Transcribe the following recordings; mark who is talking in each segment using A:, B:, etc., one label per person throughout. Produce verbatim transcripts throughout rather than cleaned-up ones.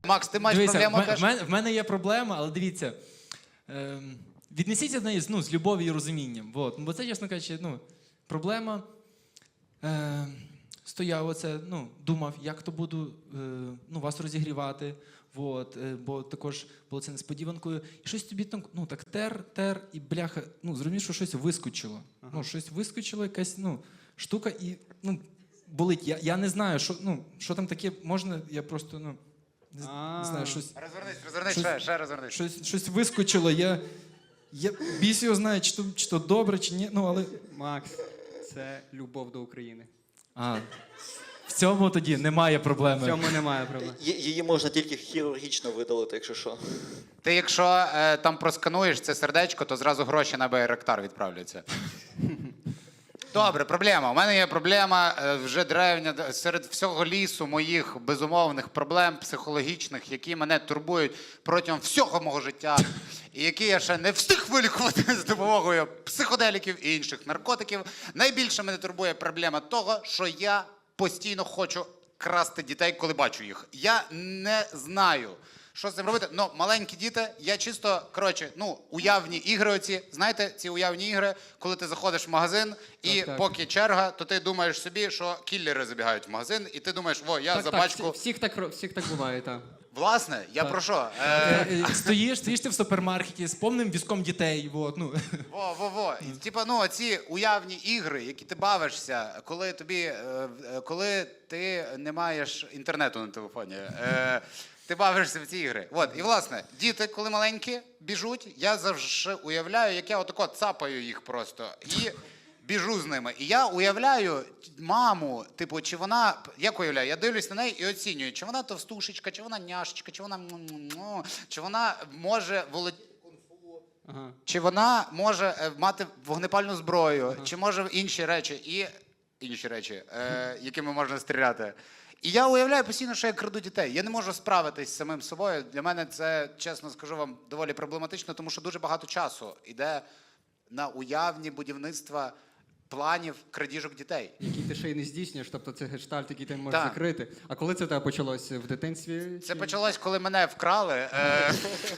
A: Макс, ти маєш
B: Дивіться,
A: проблему?
B: в, ме- в, мене, в мене є проблема, але дивіться, е, віднесіться до неї ну, з любов'ю і розумінням. Вот. Бо це, чесно кажучи, ну, проблема. Е, стояв оце, ну, думав, як то буду е, ну, вас розігрівати. Вот, е, бо також було це несподіванкою. І щось тобі там, ну, так тер, тер, і бляха, ну, зрозумів, що щось вискочило. Ага. Ну, щось вискочило, якась, ну, штука, і, ну, болить. Я, я не знаю, що, ну, що там таке можна, я просто, ну, не, не знаю, щось...
A: Розвернись, розвернись,
B: Щось-
A: ще, ще розвернись.
B: Щось, щось вискочило, я, я біс його знає, чи то, чи то добре, чи ні, ну, але...
C: Макс, це любов до України.
B: А, в цьому тоді немає
C: В
B: проблеми.
C: цьому немає проблем.
D: Ї- Її можна тільки хірургічно видалити, якщо що.
A: Ти якщо е, там проскануєш це сердечко, то зразу гроші на Байрактар відправляться. Добре, проблема. У мене є проблема е, вже древня д- серед всього лісу моїх безумовних проблем психологічних, які мене турбують протягом всього мого життя, і які я ще не встиг вилікувати з допомогою психоделіків і інших наркотиків. Найбільше мене турбує проблема того, що я постійно хочу красти дітей, коли бачу їх. Я не знаю, що з цим робити. Ну, маленькі діти, я чисто, коротше, ну, уявні ігри оці, знаєте, ці уявні ігри, коли ти заходиш в магазин, і
C: Так, так.
A: поки черга, то ти думаєш собі, що кіллери забігають в магазин, і ти думаєш, о, я
C: Так,
A: за
C: так,
A: бачку...
C: всі- всіх так, ро- всіх так буває, так.
A: Власне, я
C: Так.
A: про що? Е,
B: Е, е, Стоїш, стоїш ти в супермаркеті з повним візком дітей, вот, ну.
A: Во, во, во. І, типа, ну, ці уявні ігри, які ти бавишся, коли тобі, е, е, коли ти не маєш інтернету на телефоні, е, ти бавишся в ці ігри. От, і власне, діти, коли маленькі, біжуть, я завжди уявляю, як я отако цапаю їх просто. І біжу з ними. І я уявляю маму, типу, чи вона, як уявляю, я дивлюсь на неї і оцінюю, чи вона товстушечка, чи вона няшечка, чи вона, м-м-м, чи вона може володіти.
C: Ага.
A: Чи вона може е, мати вогнепальну зброю, ага. чи може інші речі, і інші речі, е, якими можна стріляти. І я уявляю постійно, що я краду дітей. Я не можу справитись з самим собою. Для мене це, чесно скажу вам, доволі проблематично, тому що дуже багато часу йде на уявні будівництва планів крадіжок дітей.
C: Які ти ще й не здійснюєш, тобто це гештальт, який ти не можеш
A: Так.
C: закрити. А коли це в тебе почалося? В дитинстві?
A: Це
C: чи-
A: почалось, коли мене вкрали. Е,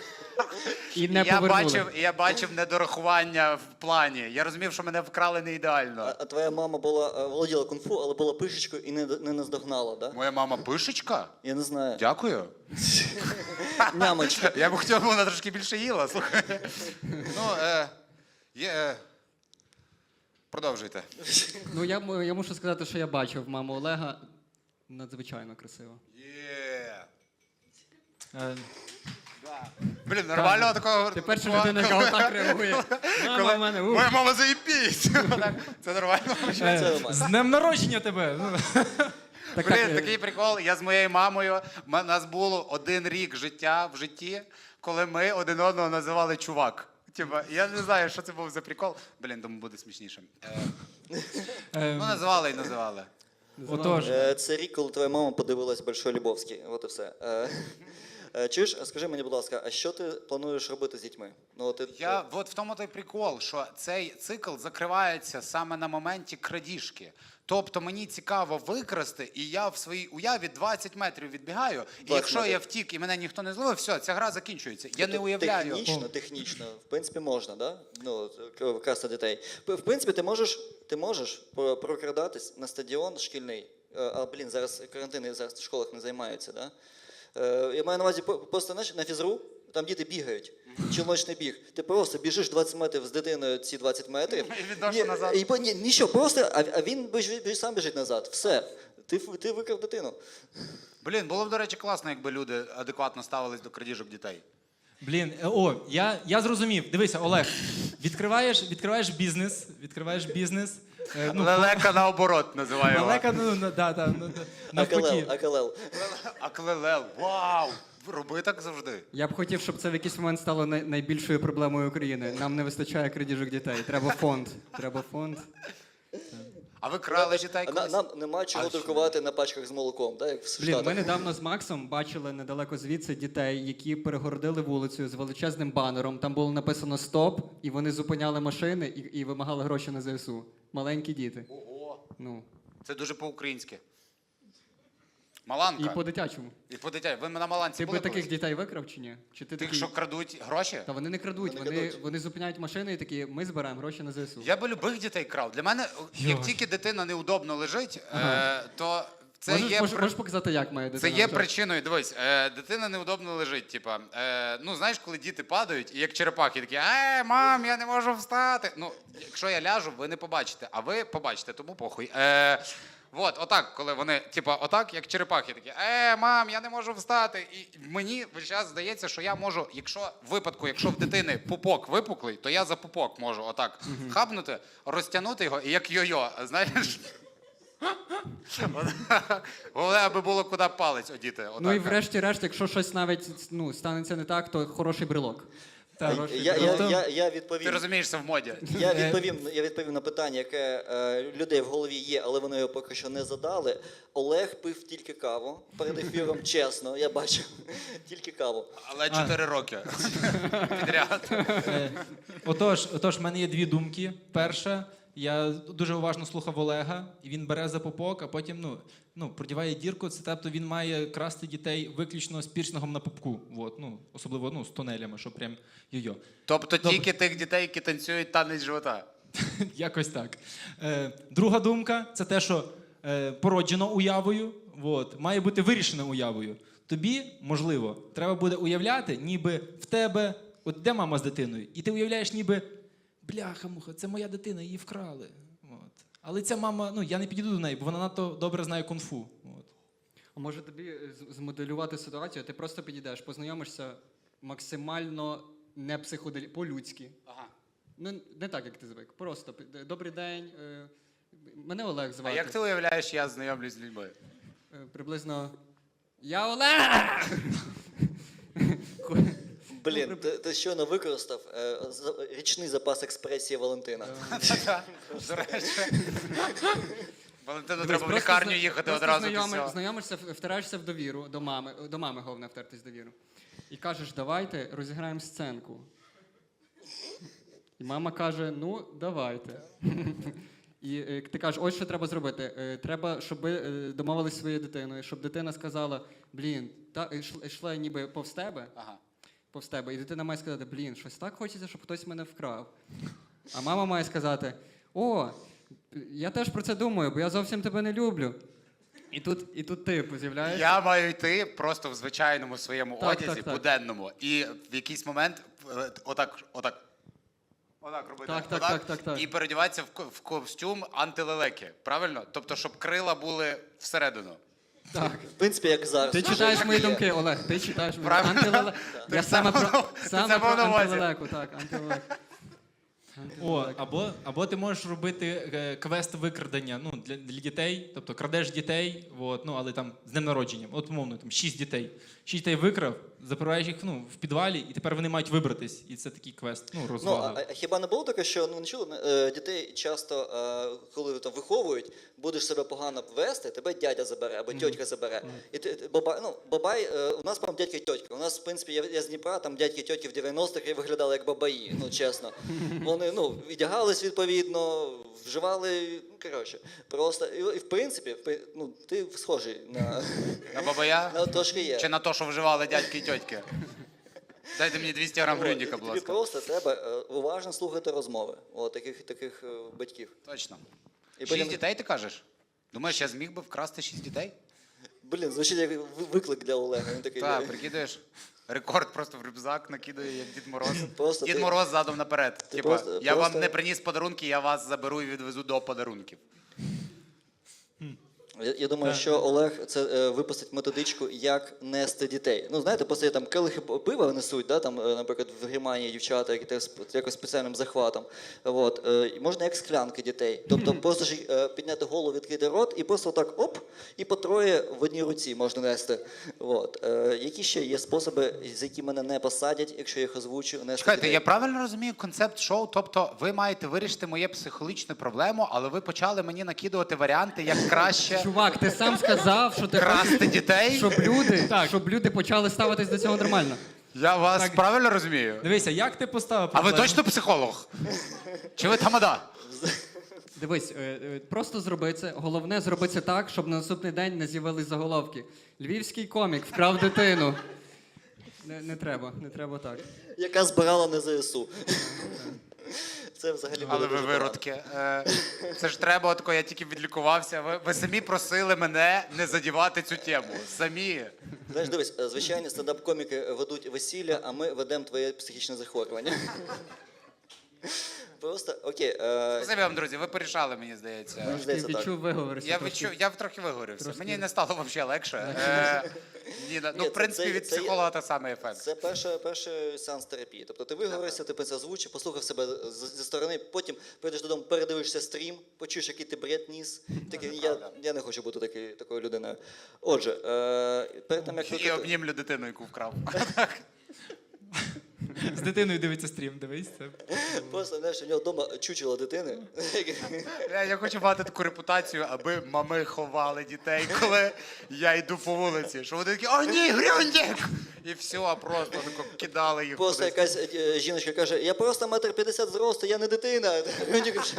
C: І не
A: і я
C: повернули.
A: бачив, і я бачив недорахування в плані. Я розумів, що мене вкрали не ідеально.
D: А, а твоя мама була е, володіла кунг-фу, але була пишечкою і не, не наздогнала, да?
A: Моя мама пишечка?
D: Я не знаю.
A: Дякую.
D: Нямочка.
A: Я б хотів, щоб вона трошки більше їла, слухай. Ну, е, є, е, продовжуйте.
C: Ну, я, м- я мушу сказати, що я бачив маму Олега. Надзвичайно красиво.
A: Є.
B: Е,
A: Блін, нормального такого...
C: Ти перша
A: коли-
C: людина, яка
A: коли-
C: отак реагує. Мама
A: коли-
C: в мене, ух.
A: Моя мама заїбісь. Так, це нормально.
D: Це
B: е,
D: нормально.
B: З днем народження тебе! Ну.
C: Так,
A: Блін,
C: так, е,
A: такий прикол. Я з моєю мамою, у нас було один рік життя в житті, коли ми один одного називали чувак. Типа, я не знаю, що це був за прикол. Блін, думаю, буде смішніше. Е,
B: Е,
A: ну, називали і називали.
B: Отож,
D: Е, Це рік, коли твоя мама подивилась Большой Любовський. От і все. Е, е, Чуєш, скажи мені, будь ласка, а що ти плануєш робити з дітьми? Ну, от ти-
A: Я, от в тому той прикол, що цей цикл закривається саме на моменті крадіжки. Тобто мені цікаво викрасти, і я в своїй уяві двадцять метрів відбігаю, і якщо
D: метрів.
A: я втік і мене ніхто не зловив, все, ця гра закінчується. Я не
D: Тобто
A: уявляю.
D: Технічно, технічно, в принципі, можна, да? Ну, к- красти дітей. П- В принципі, ти можеш, ти можеш про- прокрадатись на стадіон шкільний. Е, А, блін, зараз карантини зараз в школах не займаються, да? Е, Я маю на увазі по- просто знаєш, на фізру, там діти бігають. Чоловічний біг. Ти просто біжиш двадцять метрів з дитиною ці двадцять метрів.
A: І відношу
D: Ні,
A: назад.
D: І, по- ні, нічого, просто, а, а він біж, біж, сам біжить назад. Все. Ти, ф- ти викрав дитину.
A: Блін, було б, до речі, класно, якби люди адекватно ставились до крадіжок дітей.
B: блін, е, о, я, я зрозумів. Дивися, Олег, відкриваєш, відкриваєш бізнес, відкриваєш бізнес. е, ну,
A: Лелека наоборот називаю.
B: Лелека, ну, на- да, да, ну, да, навпаки.
D: Акалел, акалел.
A: Аклелел. Вау! Роби так завжди.
C: Я б хотів, щоб це в якийсь момент стало най- найбільшою проблемою України. Нам не вистачає крадіжок дітей. Треба фонд. Треба фонд.
A: А ви крали дітей
D: А на-
A: колись?
D: Нам нема чого
A: А що?
D: друкувати на пачках з молоком, так, як в
C: Блін,
D: Штатах.
C: ми недавно з Максом бачили недалеко звідси дітей, які перегородили вулицю з величезним банером. Там було написано «Стоп», і вони зупиняли машини і, і вимагали гроші на ЗСУ. Маленькі діти.
A: Ого.
C: Ну.
A: Це дуже по-українськи. Маланка.
C: І по-дитячому.
A: І по дитя. Ви на Маланці
C: Ти
A: були
C: би таких
A: колись?
C: дітей викрав чи ні? Чи ти
A: Тих,
C: такий...
A: що крадуть гроші?
C: Та вони не крадуть,
D: Вони
C: вони,
D: крадуть.
C: вони зупиняють машини і такі, ми збираємо гроші на ЗСУ.
A: Я би любих дітей крав. Для мене, як
B: Йой.
A: тільки дитина неудобно лежить,
C: Ага.
A: е, то це
C: можеш,
A: є...
C: можеш,
A: при-
C: можеш показати, як має
A: Це
C: дитина
A: є
C: лежати?
A: причиною. Дивись, е, дитина неудобно лежить. Типа, е, ну знаєш, коли діти падають, і як черепахи такі, е, мам, я не можу встати. Ну, якщо я ляжу, ви не побачите, а ви побачите, тому похуй. Е, От, отак, коли вони, типа, отак, як черепахи, такі, е, мам, я не можу встати. І мені весь час здається, що я можу, якщо в випадку, якщо в дитини пупок випуклий, то я за пупок можу отак хапнути, розтягнути його, і як йо-йо, знаєш. Головне, аби було куди палець одіти. Отак.
C: Ну і врешті-решт, якщо щось навіть ну, станеться не так, то хороший брелок.
B: Так.
C: Хороший
D: Я, я,
C: брелок.
D: я, я
A: Ти
D: відповім.
A: розумієшся в моді.
D: Я відповім, я відповім на питання, яке е, людей в голові є, але вони його поки що не задали. Олег пив тільки каву перед ефіром, чесно, я бачив. Тільки каву.
A: Але чотири роки підряд.
B: Е, Отож, отож, в мене є дві думки. Перша, я дуже уважно слухав Олега, і він бере за попок, а потім ну, ну, продіває дірку. Це тобто він має красти дітей виключно з пірсингом на попку. От, ну, особливо ну, з тунелями, що прям йо-йо.
A: Тобто
B: Добре.
A: тільки тих дітей, які танцюють танець живота.
B: Якось так. Е, друга думка це те, що е, породжено уявою, от, має бути вирішено уявою. Тобі, можливо, треба буде уявляти, ніби в тебе, от де мама з дитиною, і ти уявляєш, ніби бляха-муха, це моя дитина, її вкрали. От. Але ця мама, ну я не підійду до неї, бо вона надто добре знає кунг-фу. От.
C: А може тобі е, з- змоделювати ситуацію, ти просто підійдеш, познайомишся максимально не психоделі, по-людськи.
A: Ага.
C: Ну, не так, як ти звик. Просто пи- добрий день. е, Мене Олег
A: А
C: звати.
A: як ти уявляєш, я знайомлюсь з людьми?
C: Е, Приблизно. Я Олег!
D: Блін, ти, ти щойно використав е, за- річний запас експресії Валентина.
A: До речі. Валентину
C: Дивись,
A: треба в
C: просто
A: лікарню
C: зна-
A: їхати
C: просто
A: одразу
C: знайоми-
A: після.
C: Знайомишся, в- втираєшся в довіру до мами, до мами головне втертись в довіру. І кажеш, давайте розіграємо сценку. І мама каже, ну, давайте. І е, ти кажеш, ось що треба зробити. Е, Треба, щоб ви е, домовились зі своєю дитиною, щоб дитина сказала, блін, та е, йшла- йшла ніби повз тебе,
A: Ага.
C: повз тебе, і дитина має сказати, блін, щось так хочеться, щоб хтось мене вкрав. А мама має сказати, о, я теж про це думаю, бо я зовсім тебе не люблю. І тут, і тут ти з'являєшся.
A: Я маю йти просто в звичайному своєму
C: Так,
A: одязі,
C: так, так.
A: буденному, і в якийсь момент е, отак, отак. Отак робити.
C: Так, так,
A: отак,
C: так, так, так.
A: І переодіватися в, ко- в костюм антилелеки. Правильно? Тобто, щоб крила були всередину.
C: Так.
D: В принципі, як зараз.
C: Ти
D: Вже
C: читаєш
D: так
C: мої
D: і є.
C: думки, Олег, ти читаєш мої
A: Правильно.
C: антилеле...
A: Ти
C: Я
A: це
C: саме про,
A: мав- ти
C: саме
A: це
C: про
A: мав на увазі.
C: антилелеку, так, антилелек.
B: О, або, або ти можеш робити е, квест викрадення ну, для, для дітей, тобто крадеш дітей, от, ну, але там з днем народження, от умовно, там шість дітей. Шість дітей викрав, запираєш їх ну, в підвалі, і тепер вони мають вибратись. І це такий квест, ну,
D: Ну,
B: розвага.
D: а, а хіба не було таке, що ну не чули, е, дітей часто, е, коли там виховують, будеш себе погано вести, тебе дядя забере або тьотька забере. І ти, ти- баба, ну, бабай, е, у нас прям дядька і тьотька. У нас, в принципі, я, я з Дніпра, там дядьки і тьотки в дев'яностих виглядали як бабаї, ну чесно. Вони ну, віддягались відповідно, вживали, ну коротше, просто. І, і в принципі, в при- ну, ти схожий на,
A: На бабая?
D: на трошки є.
A: Чи на те, що вживали дядьки і тьотки? Дайте мені двісті грам
D: От,
A: грюндіка,
D: і
A: будь
D: тобі
A: ласка.
D: просто треба е, уважно слухати розмови от, таких, таких е, батьків.
A: Точно.
D: І
A: Шість
D: потім-
A: дітей, ти кажеш? Думаєш, я зміг би вкрасти шість дітей?
D: Блін, звучить як ви- виклик для Олега. Він такий,
A: Так, прикидаєш. Рекорд просто в рюкзак накидає, як Дід Мороз.
D: Просто
A: Дід
D: ти-
A: Мороз задом наперед.
D: ти
A: Типа,
D: просто-
A: я
D: просто-
A: вам не приніс подарунки, я вас заберу і відвезу до подарунків.
D: Я, я думаю, що Олег це е, випустить методичку, як нести дітей. Ну, знаєте, просто є там келихи пива несуть, да, там, е, наприклад, в Германії дівчата, які теж з якось спеціальним захватом. От, е, і можна як склянки дітей. Тобто просто ж е, підняти голову, відкрити рот і просто так оп, і по троє в одній руці можна нести. От. Е, які ще є способи, за які мене не посадять, якщо я їх озвучу, нести
A: Чекайте,
D: дітей?
A: я правильно розумію концепт шоу? Тобто ви маєте вирішити моє психологічну проблему, але ви почали мені накидувати варіанти, як краще
C: Чувак, ти сам сказав, що ти
A: красти дітей?
C: щоб люди,
B: Так.
C: щоб люди почали ставитись до цього нормально.
A: Я вас
B: Так.
A: правильно розумію?
B: Дивися, як ти поставив
A: А ви
B: проблему?
A: точно психолог? Чи ви тамада?
C: Дивись, е, е, просто зроби це. Головне, зроби це так, щоб на наступний день не з'явились заголовки. Львівський комік вкрав дитину. Не, не треба, не треба так.
D: Яка збирала на ЗСУ. Це взагалі буде
A: Але ви
D: дуже погано.
A: виродки. Е, Це ж треба, отко, я тільки відлікувався. Ви, ви самі просили мене не задівати цю тему. Самі.
D: Знаєш, дивись, е, звичайні стендап-коміки ведуть весілля, а ми ведемо твоє психічне захворювання. Просто, окей. е,
A: Спасибі вам, друзі, ви порішали, мені здається.
D: Мені
C: Ти
D: здається, так.
C: відчув, виговорився.
A: Я
C: трошки.
A: відчув, я трохи виговорився.
C: трошки-
A: Мені не стало взагалі легше. Е, ні, ну,
D: Ні,
A: в принципі,
D: це-
A: від
D: це є-
A: психолога той самий ефект.
D: Це перший, перший сеанс терапії. Тобто ти виговорився, ти це озвучив, послухав себе з- зі сторони, потім прийдеш додому, передивишся стрім, почуєш, який ти бред ніс. Такий, я, я не хочу бути такий, такою людиною. Отже, е, перед тим, як
A: І
D: викрити-
A: обнімлю дитину, яку вкрав.
B: З дитиною дивиться стрім, дивись. Це.
D: Просто, знаєш, у нього вдома чучело дитини.
A: Я, я хочу мати таку репутацію, аби мами ховали дітей, коли я йду по вулиці. Що вони такі, о ні, грюндік! І все, просто тако кидали їх
D: Просто
A: кудись.
D: якась е, жіночка каже, я просто метр п'ятдесят зросту, я не дитина. Він каже,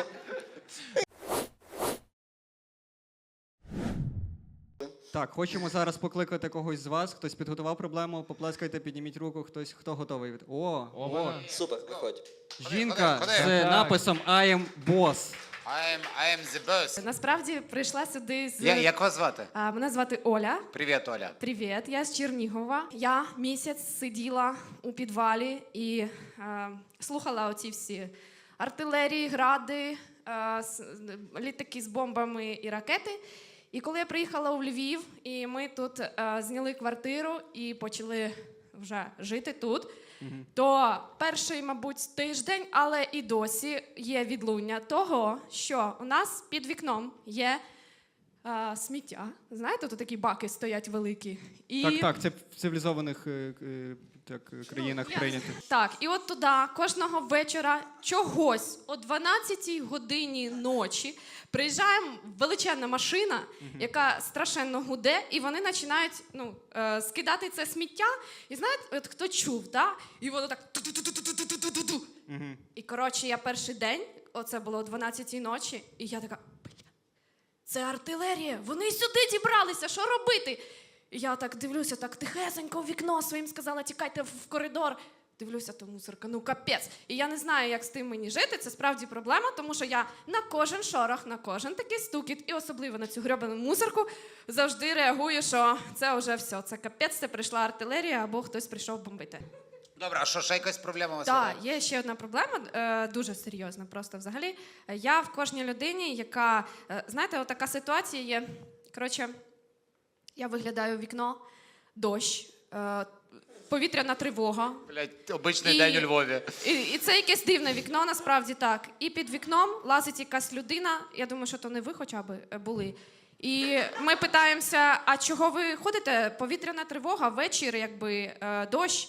C: Так, хочемо зараз покликати когось з вас. Хтось підготував проблему, поплескайте, підніміть руку, хтось, хто готовий. О,
B: О,
C: о,
B: вона.
D: Супер, виходь.
C: жінка
A: ходи,
C: з
A: ходи.
B: Так.
C: написом I am boss.
A: I am, I am the boss.
E: Насправді прийшла сюди з
A: Я, як вас звати?
E: А, мене звати Оля.
A: Привіт, Оля.
E: Привіт, я з Чернігова. Я місяць сиділа у підвалі і е, слухала оці всі артилерії, гради, е, с- літаки з бомбами і ракети. І коли я приїхала у Львів, і ми тут е, зняли квартиру і почали вже жити тут, то перший, мабуть, тиждень, але і досі є відлуння того, що у нас під вікном є е, сміття. Знаєте, тут такі баки стоять великі. І...
C: Так, так, це в цивілізованих е, е, так, е, країнах
E: я-
C: прийнято.
E: Так, і от туди кожного вечора чогось о дванадцятій годині ночі приїжджає величезна машина, яка страшенно гуде, і вони починають ну, е, скидати це сміття. І знаєте, от хто чув, да? І воно так ту-ту-ту-ту-ту-ту-ту-ту. І коротше, я перший день, оце було о дванадцятій ночі, і я така, бля, це артилерія, вони сюди дібралися, що робити? І я так дивлюся, так тихесенько в вікно своїм сказала, тікайте в коридор. Дивлюся, то мусорка, ну капець. І я не знаю, як з тим мені жити, це справді проблема, тому що я на кожен шорох, на кожен такий стукіт, і особливо на цю грьобану мусорку, завжди реагую, що це вже все, це капець, це прийшла артилерія, або хтось прийшов бомбити.
A: Добре, а що, ще якась проблема у вас?
E: Так,
A: є?
E: є ще одна проблема, е, дуже серйозна просто взагалі. Е, Я в кожній людині, яка, е, знаєте, от така ситуація є. Коротше, я виглядаю в вікно, дощ, е, повітряна тривога.
A: Блядь, обичний
E: І-
A: день у Львові.
E: І, і це якесь дивне вікно, насправді так. І під вікном лазить якась людина, я думаю, що то не ви хоча б е, були. І ми питаємося, а чого ви ходите? Повітряна тривога, вечір, якби е, дощ.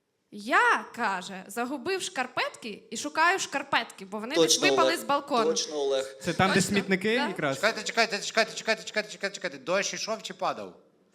E: Я, каже, загубив шкарпетки і шукаю шкарпетки, бо вони десь випали
D: Олег.
E: з балкону.
D: Точно, Олег.
C: Це там, де
E: Точно?
C: смітники
E: Да.
C: якраз?
A: Чекайте, чекайте, чекайте, чекайте, чекайте, чекайте, чекайте. Дощ ішов чи падав?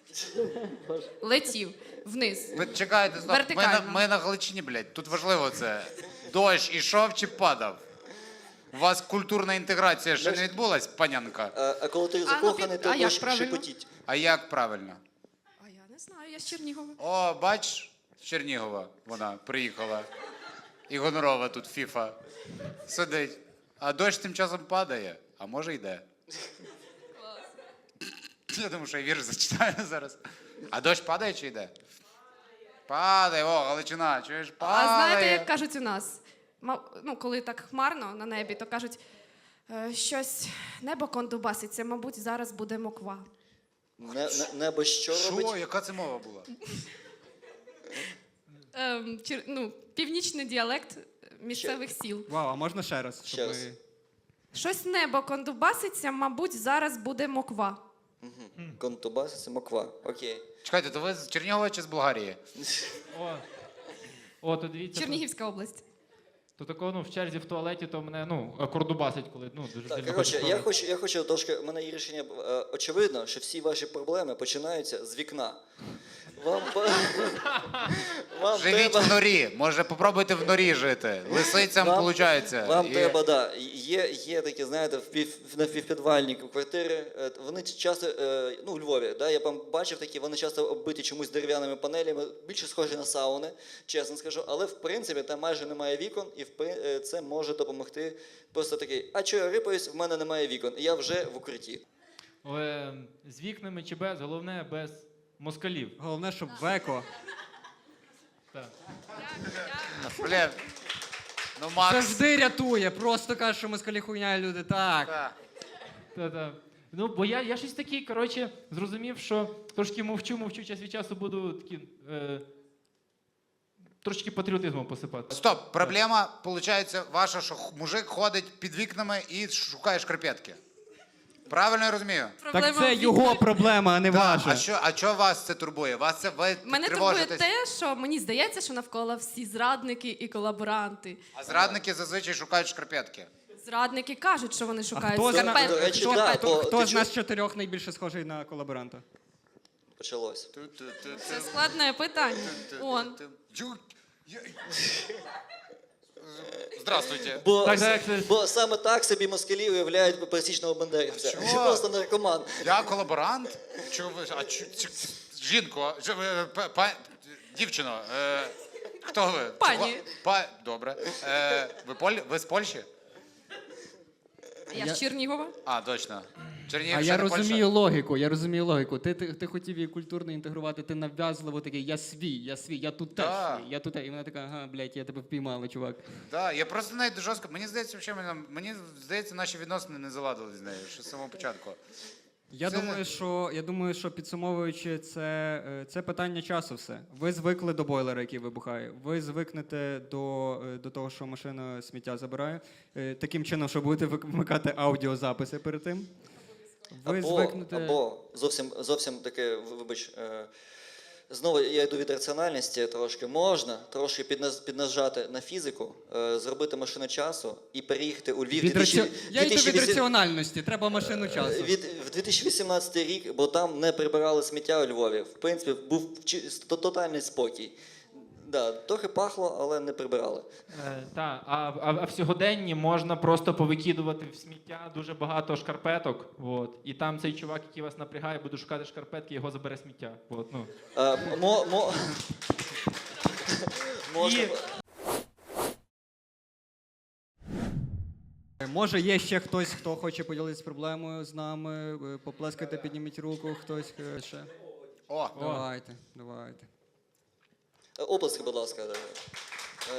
E: Летів вниз.
A: Ви чекайте, стоп. Ми на,
E: Вертикально.
A: ми на Галичині, блядь. Тут важливо це. Дощ ішов чи падав? У вас культурна інтеграція ще не відбулась, панянка?
D: А, а коли ти
E: ну,
D: закоханий,
E: під-
D: то
E: а як
D: дощ
E: правильно?
D: шепотіть.
A: А як правильно?
E: А я не знаю, я з Чернігова.
A: О, бач, з Чернігова вона приїхала. І гонорова тут фіфа. Сидить. А дощ тим часом падає, а може йде. Я думаю, що я вірш зачитаю зараз. А дощ падає чи йде? Падає, о, Галичина, чуєш, падає.
E: А знаєте, як кажуть у нас? Ма- Ну, коли так хмарно на небі, то кажуть, «Е, щось небо кондубаситься, мабуть, зараз буде моква.
D: Не, не, небо що робить?
A: Що? Яка це мова була?
E: Ем, чер- ну, північний діалект місцевих сіл.
C: Вау, а можна ще раз?
D: Ще
C: щоб
D: раз.
C: ми-
E: Щось небо кондубаситься, мабуть, зараз буде моква.
D: Контубас, це моква. Окей.
A: Чекайте, то ви з Чернігова чи з Болгарії?
B: О, О, то дивіться.
E: Чернігівська область.
B: То такого, ну, в черзі в туалеті, то мене, ну, кордубасить, коли, ну, дуже
D: Так,
B: сильно
D: коротше,
B: хочу
D: я
B: в туалет.
D: хочу, я хочу трошки, у мене є рішення, е, очевидно, що всі ваші проблеми починаються з вікна. Вам, по- вам
A: Живіть
D: треба...
A: в норі. Може, попробуйте в норі жити. Лисицям
D: Вам-
A: виходить.
D: Вам треба, да. Є, є такі, знаєте, впів, на півпідвальні квартири. е, Вони часто, е, ну, у Львові, да, я там бачив такі, вони часто оббиті чомусь дерев'яними панелями, більше схожі на сауни, чесно скажу. Але в принципі там майже немає вікон, і в при- е, це може допомогти. Просто такий, а чого я рипаюсь, в мене немає вікон, і я вже в укритті.
B: Е, З вікнами чи без, головне без москалів.
C: Головне, щоб веко.
B: Так.
A: Блін. Ну, Макс.
C: Завжди рятує. Просто каже, що москалі хуйня, люди. Так.
A: Так.
B: Та-та. Ну, бо я, я щось такий, коротше, зрозумів, що трошки мовчу, мовчу, час від часу буду такі, е, трошки патріотизмом посипати.
A: Стоп, проблема, виходить, ваша, що х- мужик ходить під вікнами і шукає шкарпетки. Правильно я розумію?
E: Проблема
C: Так це
E: в
C: його
E: вікні.
C: проблема, а не ваша.
A: А що, а що вас це турбує? Вас це ви
E: Мене турбує
A: тривожитесь?
E: те, що мені здається, що навколо всі зрадники і колаборанти.
A: А зрадники зазвичай шукають шкарпетки.
E: Зрадники кажуть, що вони шукають
C: хто з
E: скарпетки.
D: До речі,
C: Хто,
D: да,
C: хто,
D: бо
C: хто
D: ти
C: з
D: чу-
C: нас чотирьох найбільше схожий на колаборанта?
D: Почалось.
E: Це складне питання. Он.
A: Ю- я- Здравствуйте.
D: Бо,
B: Так, так, це-
D: бо саме так собі москалі уявляють пересічного бандерівця.
A: Чого?
D: Що просто наркоман.
A: Я колаборант? Чого ви? А чу, чу, жінко, ж- е, па, па, дівчино, е, хто ви?
E: Пані.
A: Чого? Па, добре. Е, ви, Поль, ви з Польщі?
E: Я
C: Я-
E: з Чернігова.
A: А, точно. Чернігів
C: А
A: ще
C: я
A: не Польща?
C: розумію логіку, я розумію логіку. Ти, ти, ти хотів її культурно інтегрувати, ти нав'язливо такий, я свій, я свій, я тут теж
A: Да.
C: свій, я тут. І вона така, ага, блядь, я тебе впіймала, чувак.
A: Да, я просто навіть жорстко. Мені здається, взагалі, мені, мені здається, наші відносини не заладили з нею ще з самого початку.
C: Я
A: Це-
C: думаю, що я думаю, що підсумовуючи, це, е, це питання часу. Все. Ви звикли до бойлера, який вибухає. Ви звикнете до, е, до того, що машина сміття забирає. е, Таким чином, що будете вик- вмикати аудіозаписи перед тим. Ви
D: Або,
C: звикнете.
D: або зовсім, зовсім таке, вибач, е, знову я йду від раціональності трошки. Можна трошки підназ, піднажати на фізику, е, зробити машину часу і переїхати у Львів.
C: Від раці...
D: дві тисячі
C: Я йду від
D: дві тисячі
C: раціональності, треба машину часу.
D: Від, в дві тисячі вісімнадцятий рік, бо там не прибирали сміття у Львові. В принципі, був чи- то- тотальний спокій. Да, трохи пахло, але не прибирали.
B: Е, та, а, а, а в сьогоденні можна просто повикидувати в сміття дуже багато шкарпеток. От, і там цей чувак, який вас напрягає, буде шукати шкарпетки, його забере сміття. От, ну.
D: А, мо, мо... Можна...
B: І-
C: Може, є ще хтось, хто хоче поділитися проблемою з нами, е, поплескайте, підніміть руку, хтось е, ще.
A: О,
C: Давайте, давайте.
D: Е, Оплески, будь ласка. да. Е,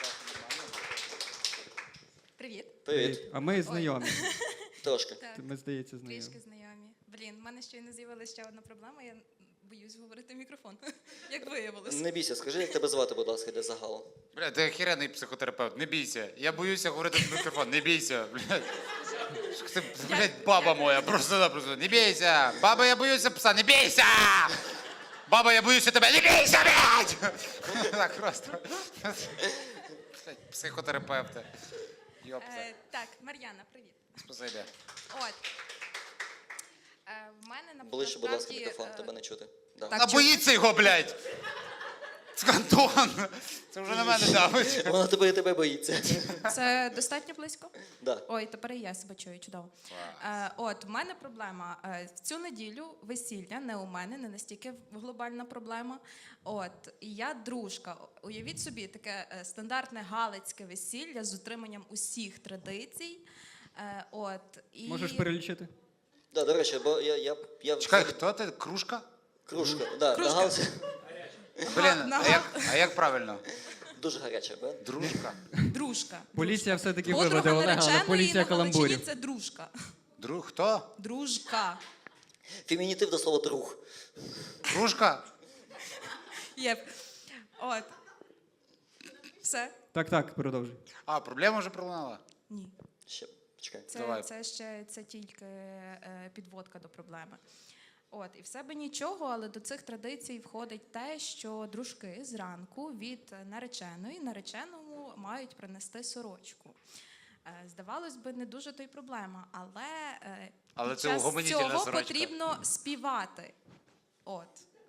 F: Привіт.
D: Привіт.
C: А ми знайомі.
D: Трошки.
F: Так,
C: Ми, здається, знайомі.
F: трішки знайомі. Блін, в мене щойно з'явилася ще одна проблема, я боюсь говорити в мікрофон, як виявилось.
D: Не бійся, скажи, як тебе звати, будь ласка, для загалу.
A: бля, ти охеренний психотерапевт, не бійся. Я боюся говорити в мікрофон, не бійся. Блядь. Це, блядь, баба моя, просто-напросто, не бійся. Баба, я боюся пса, не бійся! Баба, я боюся тебе, не бійся, блядь! Так просто. Блядь, психотерапевти. Йопта.
F: Е, так, Мар'яна, привіт.
A: Спасибі.
F: От. Е, в мене на
D: Ближче, будь ласка,
F: насправді,
D: мікрофон,
F: е,
D: тебе не чути. Да.
F: Так,
A: Вона
F: чу-
A: боїться його, блядь! Це Антон! Це вже на мене давить.
D: Вона тебе і тебе боїться.
F: Це достатньо близько?
D: Да.
F: Ой, тепер і я себе чую, чудово. Е, от, в мене проблема. Е, в цю неділю весілля не у мене, не настільки глобальна проблема. От, і я дружка. Уявіть собі, таке е, стандартне галицьке весілля з утриманням усіх традицій. Е, от, і...
C: Можеш перелічити?
D: Да, до речі, бо я, я, я
A: Чекай, хто ти? Кружка?
D: Кружка. Да,
F: Кружка.
D: на галці
A: Блін, а
F: нага.
A: як, а як правильно?
D: дуже гаряча, да?
A: Дружка?
F: Дружка.
C: Поліція все-таки
F: Подруга
C: виведе Олега, але
F: нареченої
C: поліція
F: на Галичині
C: каламбурів.
F: це дружка.
A: Друг хто?
F: Дружка.
D: Фемінітив до слова друг.
A: Кружка?
F: Єп. От. Все?
C: Так, так, продовжуй.
A: А, проблема вже пролунала?
F: Ні.
D: Ще, чекай.
F: Це,
A: Давай.
F: це ще це тільки е, підводка до проблеми. От, і в себе нічого, але до цих традицій входить те, що дружки зранку від нареченої нареченому мають принести сорочку. Е, Здавалось би, не дуже то й проблема, але, е,
A: Але
F: під
A: це
F: час
A: угомонітельна
F: цього
A: сорочка.
F: потрібно співати. От.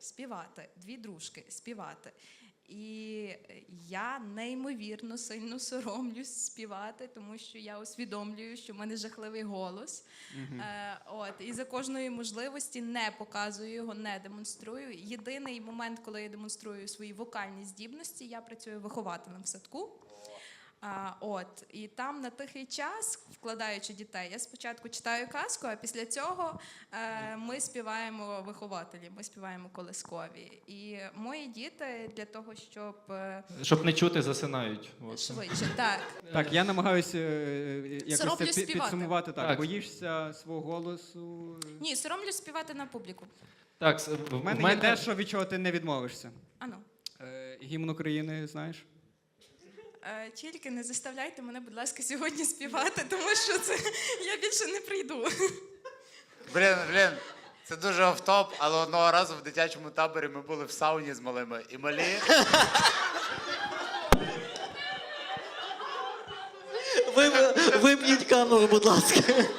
F: співати, дві дружки співати. І я неймовірно сильно соромлюсь співати, тому що я усвідомлюю, що в мене жахливий голос. Е, от, і за кожної можливості не показую його, не демонструю. Єдиний момент, коли я демонструю свої вокальні здібності, я працюю вихователем в садку. А, от, і там на тихий час, вкладаючи дітей, я спочатку читаю казку, а після цього е, ми співаємо вихователі, ми співаємо колискові. І мої діти для того, щоб е,
B: Щоб не чути, засинають. От.
F: швидше, так.
C: Так, я намагаюся е, якось це
F: Соромлюсь
C: пі-
F: співати.
C: підсумувати. Так,
B: Так.
C: боїшся свого голосу.
F: Ні, соромлюсь співати на публіку.
B: Так, с-
C: В мене є дещо, від чого ти не відмовишся.
F: Ану.
C: Е, гімн України, знаєш?
F: Е, тільки не заставляйте мене, будь ласка, сьогодні співати, тому що це я більше не прийду.
A: Блін, блін, це дуже офтоп, але одного разу в дитячому таборі ми були в сауні з малими. І малі.
D: Ви, вимкніть камеру, будь ласка.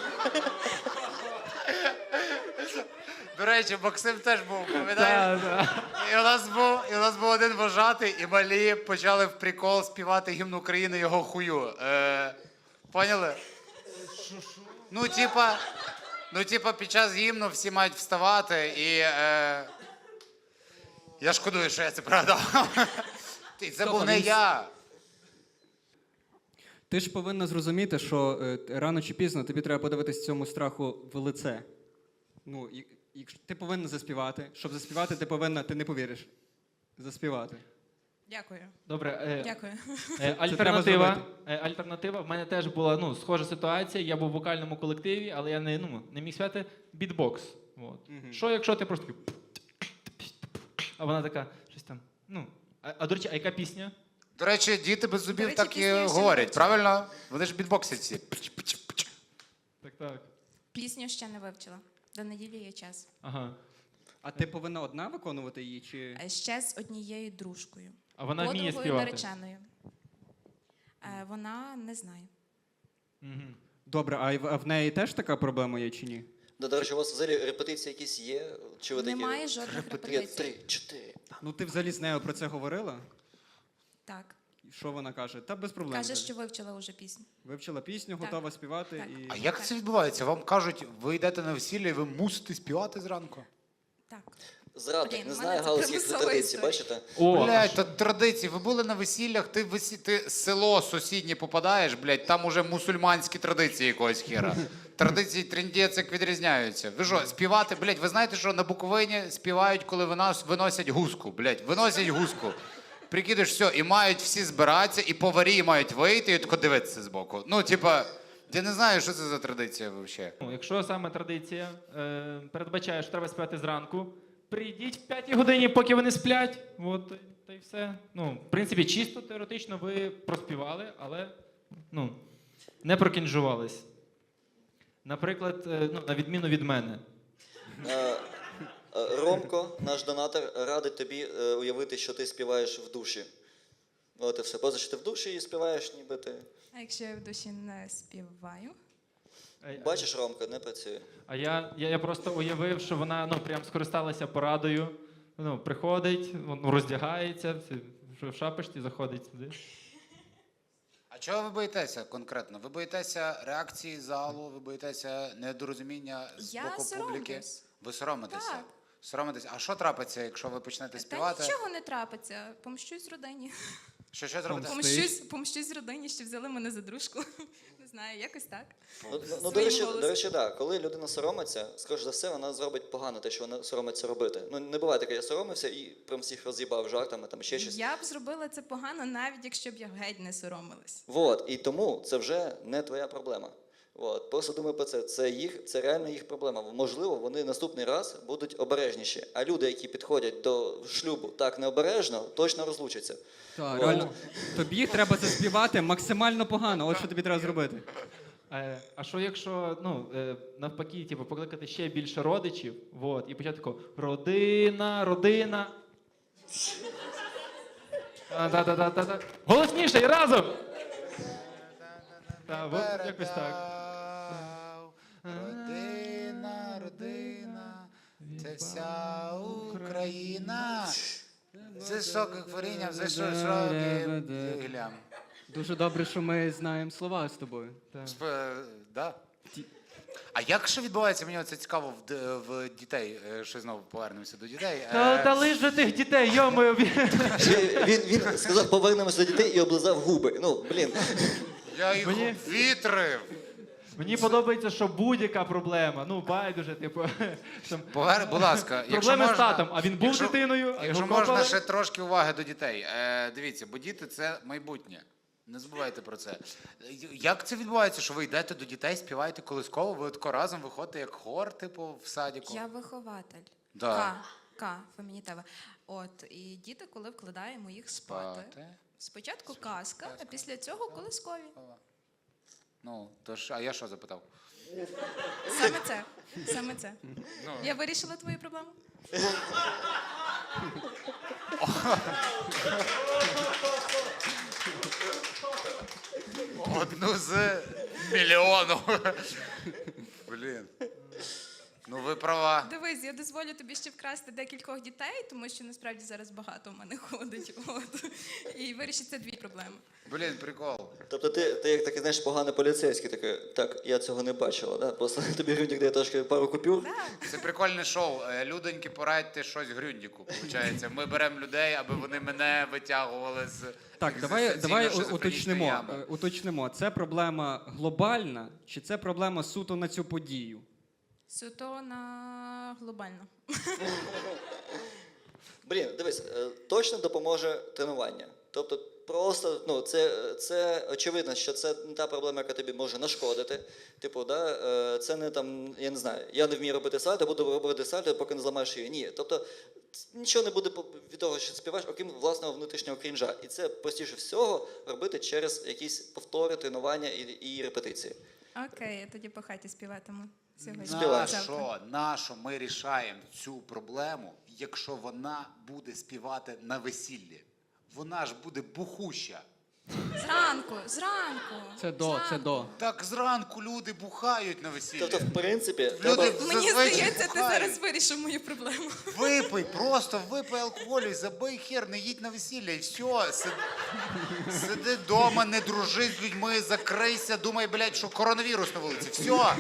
A: До речі, Максим теж був, пам'ятаєш? І у нас був, і у нас був один вожатий, і малі почали в прикол співати гімн України його хую. Е, поняли? Ну, типа, ну, типа, під час гімну всі мають вставати, і е, я шкодую, що я це продав. І це був не я.
C: Ти ж повинна зрозуміти, що е, рано чи пізно тобі треба подивитись цьому страху в лице. Ну, і, якщо ти повинна заспівати. Щоб заспівати, ти повинна, ти не повіриш. Заспівати.
F: Дякую.
B: Добре, е,
F: Дякую.
B: е,
C: треба
B: альтернатива.
C: зробити.
B: Е, альтернатива. В мене теж була ну, схожа ситуація. Я був в вокальному колективі, але я не, ну, не міг співати бітбокс. От. Що, якщо ти просто такий... А вона така, щось там. Ну, а, а до речі, а яка пісня?
A: До речі, діти без
F: До
A: зубів
F: речі,
A: так
F: пісню
A: і
F: я ще не
A: говорять,
F: вивчила.
A: правильно? Вони ж бітбоксять всі.
B: Так, так.
F: Пісню ще не вивчила. До неділі є час.
B: Ага.
C: А ти повинна одна виконувати її, чи.
F: Е, Ще з однією дружкою.
B: А вона вміє
F: Подругою
B: співати.
F: нареченою. Е, Вона не знає.
B: Мгм.
C: Добре, а в, а в неї теж така проблема є, чи ні?
D: Да, до речі, у вас взагалі репетиції якісь є? Чи ви такі?
F: Немає жодних
D: Три,
F: репетицій.
D: три, чотири.
C: Ну ти взагалі з нею про це говорила?
F: Так.
C: І що вона каже? Та без проблем.
F: Каже,
C: взагалі.
F: що вивчила вже пісню.
C: Вивчила пісню,
F: Так.
C: готова співати
F: Так.
C: і.
A: А як це відбувається? Вам кажуть, ви йдете на весілля і ви мусите співати зранку?
F: Так.
D: Зрадник,
F: Блін,
D: не
F: в мене
D: знає
F: це
D: галицьких
F: примусова
D: традицій,
F: історія.
D: бачите?
B: О,
A: Блядь, та традиції. Ви були на весіллях, ти в весі... ти село сусіднє попадаєш, блядь, там уже мусульманські традиції якогось хера. Традиції трендець як відрізняються. Ви що, співати, блядь, ви знаєте, що на Буковині співають, коли винос... виносять гуску, блядь, виносять гуску. Прикидаєш, все, і мають всі збиратися, і поварі мають вийти, і тако дивитися збоку. Ну, типа, я не знаю, що це за традиція взагалі.
B: Ну, якщо саме традиція е, передбачає, що треба співати зранку, прийдіть в п'ятій годині, поки вони сплять. От, та й все. Ну, в принципі, чисто теоретично ви проспівали, але ну, не прокінжувались. Наприклад, е, ну, на відміну від мене.
D: Е, е, Ромко, наш донатор, радить тобі е, уявити, що ти співаєш в душі. От і все. Поза що ти в душі і співаєш, ніби ти.
F: А якщо я в душі не співаю?
B: Е,
D: Бачиш, Ромко, не працює.
B: А я, я, я просто уявив, що вона ну, прям скористалася порадою. Ну, приходить, ну, роздягається, в- в шапочці заходить сюди.
A: А чого ви боїтеся конкретно? Ви боїтеся реакції залу, ви боїтеся недорозуміння з
F: Я
A: боку публіки?
F: соромлюсь.
A: Ви соромитеся?
F: Так.
A: Соромитеся. А що трапиться, якщо ви почнете
F: Та
A: співати?
F: нічого не трапиться. Помщусь родині.
A: Що, що зробите?
C: Помс-
F: Помщусь, помщусь родині, що взяли мене за дружку. Не знаю, якось так.
D: Ну, ну, ну, до
F: Своїм
D: речі,
F: голосом.
D: до речі, да. Коли людина соромиться, скоріш за все, вона зробить погано те, що вона соромиться робити. Ну, не буває таке, я соромився і прям всіх роз'їбав жартами, там ще щось.
F: Я б зробила це погано, навіть якщо б я геть не соромилась.
D: Вот, і тому це вже не твоя проблема. От, просто думай про це. Це їх, це реально їх проблема. Можливо, вони наступний раз будуть обережніші. А люди, які підходять до шлюбу так необережно, точно розлучаться.
C: Так,
D: О.
C: реально. Тобі треба заспівати максимально погано. От що тобі треба зробити.
B: Е, а що якщо ну, е, навпаки, типу, покликати ще більше родичів, вот, і почати тако родина, родина. Та-та-та-та-та. Голосніше і разом! Та, от якось так.
A: Родина, родина, це Це вся Україна. З високих корінням, з високим гілям.
C: Дуже добре, що ми знаємо слова з тобою.
A: Сп- Да. А як ще відбувається, мені це цікаво в, д- в дітей, е, що знову повернемося до дітей. Е,
B: Та, та лиш же тих дітей, йомою.
D: Він, він, він сказав, повернемося до дітей і облизав губи. Ну, блін.
A: Я їх
B: Мені-
A: вітрив.
B: Мені подобається, що будь-яка проблема, ну байдуже, типу, там,
A: Повер, будь ласка, якщо
B: проблеми
A: можна,
B: з татом, а він був
A: якщо-
B: дитиною, а
A: Якщо
B: його
A: можна,
B: копали.
A: ще трошки уваги до дітей. Е, дивіться, бо діти це майбутнє. Не забувайте про це. Е, Як це відбувається, що ви йдете до дітей, співаєте колисково, ви тако разом виходите як хор, типу, в садіку?
F: Я вихователь.
A: Да.
F: К, К, фемінітива. От, і діти, коли вкладаємо їх спати.
A: Спати.
F: Спочатку казка, а після цього колискові.
A: Ну, то ж, а я що запитав?
F: Саме це. Саме це.
A: Ну.
F: Я вирішила твою проблему.
A: Одну з мільйону. Блін. Ну ви права.
F: Дивись, я дозволю тобі ще вкрасти декількох дітей, тому що насправді зараз багато в мене ходить. От. І вирішиться дві проблеми.
A: Блін, прикол.
D: Тобто ти, ти як такий, знаєш, поганий поліцейський, такий, так, я цього не бачила, да? Просто тобі Грюндік дає трошки пару купюр.
A: Це прикольне шоу. Е, Людоньки, порадьте щось Грюндіку. Получається, ми беремо людей, аби вони мене витягували з
C: Так, давай, давай у-
A: екзистенційно-шизофренічної
C: уточнимо.
A: ями.
C: е, Уточнимо, це проблема глобальна чи це проблема суто на цю подію?
F: Суто на глобально.
D: Блін, дивись, е, точно допоможе тренування. Тобто просто, ну, це, це очевидно, що це не та проблема, яка тобі може нашкодити. Типу, да, е, це не там, я не знаю, я не вмію робити сальто, буду робити сальто, поки не зламаєш її. Ні. Тобто нічого не буде по- від того, що співаєш, окрім власного внутрішнього крінжа. І це простіше всього робити через якісь повтори, тренування і, і репетиції.
F: Окей, я тоді по хаті співатиму сьогодні.
D: Співай.
F: Завтра.
A: Нащо, нащо ми рішаємо цю проблему, якщо вона буде співати на весіллі? Вона ж буде бухуща.
F: Зранку, зранку.
C: Це до, це
F: зранку.
C: до.
A: Так зранку люди бухають на весіллі.
D: Тобто, в принципі,
A: Люди
D: треба...
F: Мені
A: зазвичай
F: здається, ти
A: бухають.
F: зараз вирішив мою проблему.
A: Випий, просто випий алкоголю і забий хер, не їдь на весілля і все. Сиди, сиди вдома, не дружи з людьми, закрийся, думай, блядь, що коронавірус на вулиці. Все.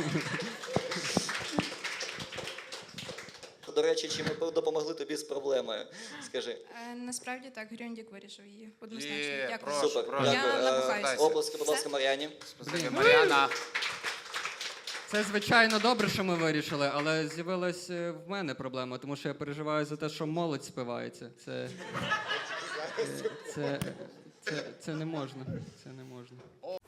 D: До речі, чи ми допомогли тобі з проблемою? Скажи.
F: Е, насправді так, Грюндік вирішив її. Однозначно.
A: Є,
F: Дякую.
A: прошу,
D: Супер,
A: прошу.
F: Я
D: дякую. Е,
F: набухаюся.
D: Оплески, будь ласка, Мар'яні.
A: Спасибі, Мар'яна.
C: Це, звичайно, добре, що ми вирішили, але з'явилась е, в мене проблема, тому що я переживаю за те, що молодь спивається. Це, е, це, це, це не можна. Це не можна.